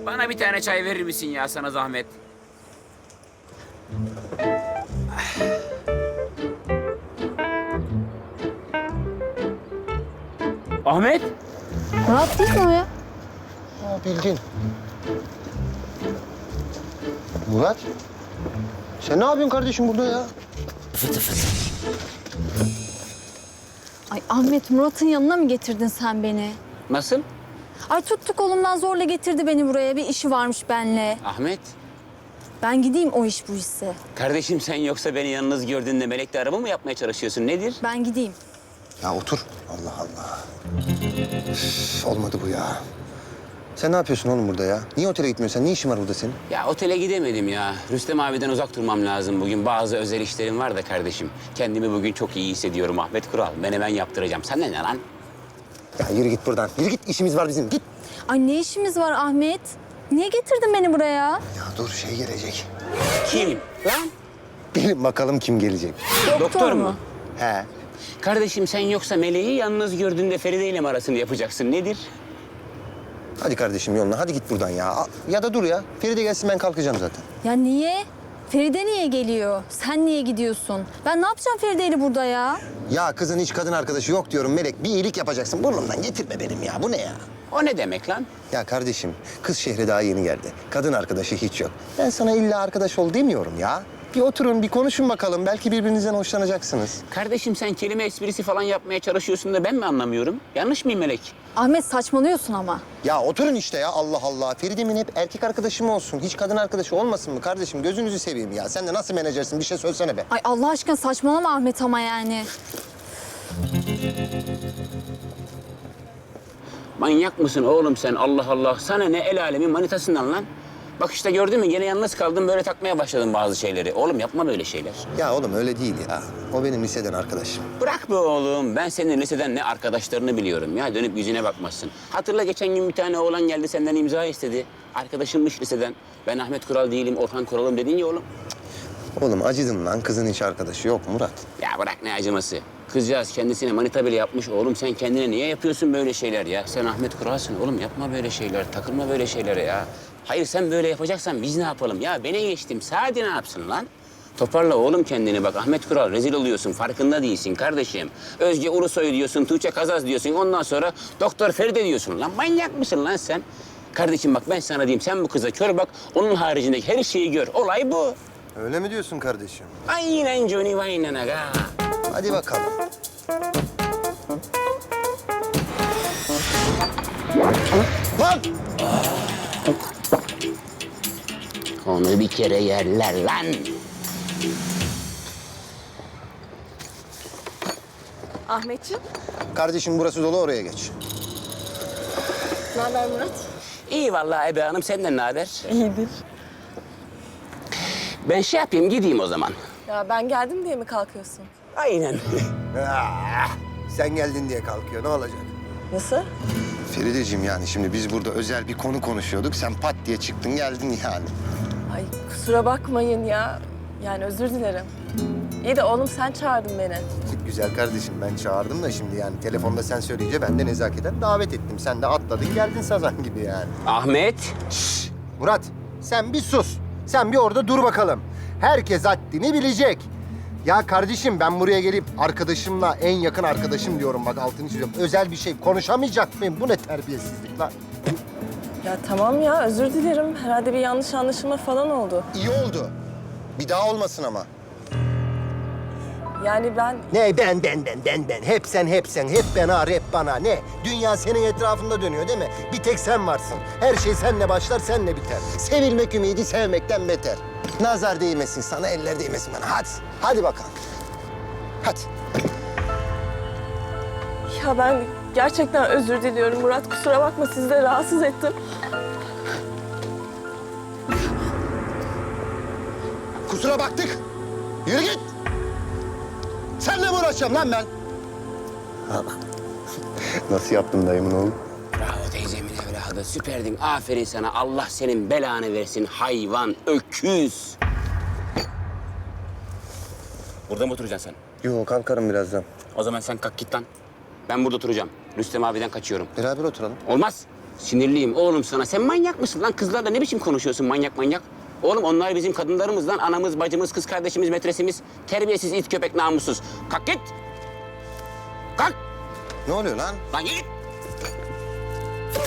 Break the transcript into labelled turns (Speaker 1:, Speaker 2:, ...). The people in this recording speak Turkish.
Speaker 1: Bana bir tane çay verir misin ya, sana zahmet? Ahmet?
Speaker 2: Murat değil mi o ya?
Speaker 3: Bildin. Murat, sen ne yapıyorsun kardeşim burada ya?
Speaker 1: Fıtı fıtı.
Speaker 2: Ay Ahmet, Murat'ın yanına mı getirdin sen beni?
Speaker 1: Nasıl?
Speaker 2: Ay tuttu kolumdan zorla getirdi beni buraya. Bir işi varmış benle.
Speaker 1: Ahmet?
Speaker 2: Ben gideyim o iş bu işse.
Speaker 1: Kardeşim sen yoksa beni yalnız gördüğünde melekle araba mı yapmaya çalışıyorsun? Nedir?
Speaker 2: Ben gideyim.
Speaker 3: Ya otur. Allah Allah. Üf, olmadı bu ya. Sen ne yapıyorsun oğlum burada ya? Niye otele gitmiyorsun sen? Ne işin var burada senin?
Speaker 1: Ya otele gidemedim ya. Rüstem abiden uzak durmam lazım bugün. Bazı özel işlerim var da kardeşim. Kendimi bugün çok iyi hissediyorum Ahmet Kural. Menemen yaptıracağım. Sen ne lan?
Speaker 3: Ya yürü git buradan. Yürü git. İşimiz var bizim. Git.
Speaker 2: Ay ne işimiz var Ahmet? Niye getirdin beni buraya?
Speaker 3: Ya dur şey gelecek.
Speaker 1: Kim? Lan?
Speaker 3: Bilin bakalım kim gelecek.
Speaker 1: Doktor mu?
Speaker 3: He.
Speaker 1: Kardeşim sen yoksa meleği yalnız gördüğünde Feride ile mi arasını yapacaksın? Nedir?
Speaker 3: Hadi kardeşim yoluna. Hadi git buradan ya. Ya da dur ya. Feride gelsin ben kalkacağım zaten.
Speaker 2: Ya niye? Feride niye geliyor? Sen niye gidiyorsun? Ben ne yapacağım Feride'yle burada ya?
Speaker 3: Ya kızın hiç kadın arkadaşı yok diyorum Melek. Bir iyilik yapacaksın. Burnumdan getirme benim ya. Bu ne ya?
Speaker 1: O ne demek lan?
Speaker 3: Ya kardeşim, kız şehre daha yeni geldi. Kadın arkadaşı hiç yok. Ben sana illa arkadaş ol demiyorum ya. Bir oturun, bir konuşun bakalım. Belki birbirinizden hoşlanacaksınız.
Speaker 1: Kardeşim sen kelime esprisi falan yapmaya çalışıyorsun da ben mi anlamıyorum? Yanlış mıyım Melek?
Speaker 2: Ahmet saçmalıyorsun ama.
Speaker 3: Ya oturun işte ya, Allah Allah. Feride'min hep erkek arkadaşı olsun? Hiç kadın arkadaşı olmasın mı kardeşim? Gözünüzü seveyim ya. Sen de nasıl menajersin? Bir şey söylesene be.
Speaker 2: Ay Allah aşkına saçmalama Ahmet ama yani.
Speaker 1: Manyak mısın oğlum sen? Allah Allah. Sana ne el alemin manitasından lan? Bak işte gördün mü? Gene yalnız kaldım böyle takmaya başladım bazı şeyleri. Oğlum yapma böyle şeyler.
Speaker 3: Ya oğlum öyle değil ya. O benim liseden arkadaşım.
Speaker 1: Bırak be oğlum. Ben senin liseden ne arkadaşlarını biliyorum ya. Dönüp yüzüne bakmazsın. Hatırla geçen gün bir tane oğlan geldi senden imza istedi. Arkadaşımmış liseden. Ben Ahmet Kural değilim, Orhan Kural'ım dedin ya oğlum.
Speaker 3: Oğlum acıdım lan. Kızın hiç arkadaşı yok Murat.
Speaker 1: Ya bırak ne acıması. Kızcağız kendisine manita bile yapmış. Oğlum sen kendine niye yapıyorsun böyle şeyler ya? Sen Ahmet Kural'sın oğlum, yapma böyle şeyler. Takılma böyle şeylere ya. Hayır sen böyle yapacaksan biz ne yapalım? Ya beni geçtim. Sadi ne yapsın lan? Toparla oğlum kendini bak. Ahmet Kural rezil oluyorsun. Farkında değilsin kardeşim. Özge Ulusoy diyorsun, Tuğçe Kazaz diyorsun. Ondan sonra Doktor Feride diyorsun lan. Manyak mısın lan sen? Kardeşim bak ben sana diyeyim. Sen bu kıza kör bak. Onun haricindeki her şeyi gör. Olay bu.
Speaker 3: Öyle mi diyorsun kardeşim?
Speaker 1: Aynen Johnny Wayne'ın aga.
Speaker 3: Hadi bakalım. Lan!
Speaker 1: Onu bir kere yerler lan.
Speaker 4: Ahmetciğim,
Speaker 3: Kardeşim burası dolu, oraya geç.
Speaker 4: ne haber Murat?
Speaker 1: İyi vallahi Ebe Hanım, senden ne haber?
Speaker 4: İyidir.
Speaker 1: Ben şey yapayım, gideyim o zaman.
Speaker 4: Ya ben geldim diye mi kalkıyorsun?
Speaker 1: Aynen.
Speaker 3: Sen geldin diye kalkıyor, ne olacak?
Speaker 4: Nasıl?
Speaker 3: Ferideciğim yani şimdi biz burada özel bir konu konuşuyorduk. Sen pat diye çıktın geldin yani.
Speaker 4: Ay kusura bakmayın ya. Yani özür dilerim. İyi de oğlum sen çağırdın beni.
Speaker 3: Güzel kardeşim ben çağırdım da şimdi yani telefonda sen söyleyince ben de nezaketen davet ettim. Sen de atladın geldin sazan gibi yani.
Speaker 1: Ahmet.
Speaker 3: Murat sen bir sus. Sen bir orada dur bakalım. Herkes haddini bilecek. Ya kardeşim ben buraya gelip arkadaşımla en yakın arkadaşım diyorum bak altını çiziyorum. Özel bir şey konuşamayacak mıyım? Bu ne terbiyesizlik lan?
Speaker 4: Ya tamam ya özür dilerim. Herhalde bir yanlış anlaşılma falan oldu.
Speaker 3: İyi oldu. Bir daha olmasın ama.
Speaker 4: Yani ben...
Speaker 3: Ne ben. Hep sen. Hep ben ağır, hep bana. Ne? Dünya senin etrafında dönüyor değil mi? Bir tek sen varsın. Her şey seninle başlar, seninle biter. Sevilmek ümidi sevmekten beter. Nazar değmesin sana, eller değmesin bana. Hadi. Hadi bakalım. Hadi.
Speaker 4: Ya ben gerçekten özür diliyorum Murat. Kusura bakma sizi de rahatsız ettim.
Speaker 3: Kusura baktık. Yürü git. Seninle mi uğraşacağım lan ben? Nasıl yaptın dayımın oğlu?
Speaker 1: Bravo teyzemin evladı, süperdin. Aferin sana. Allah senin belanı versin hayvan, öküz. Burada mı oturacaksın sen?
Speaker 3: Yok kalkarım birazdan.
Speaker 1: O zaman sen kalk git lan. Ben burada oturacağım. Rüstem abiden kaçıyorum.
Speaker 3: Beraber oturalım.
Speaker 1: Olmaz. Sinirliyim oğlum sana. Sen manyak mısın lan? Kızlarla ne biçim konuşuyorsun manyak manyak? Oğlum onlar bizim kadınlarımız lan. Anamız, bacımız, kız kardeşimiz, metresimiz. Terbiyesiz it köpek namussuz. Kalk git. Kalk.
Speaker 3: Ne oluyor lan?
Speaker 1: Lan git.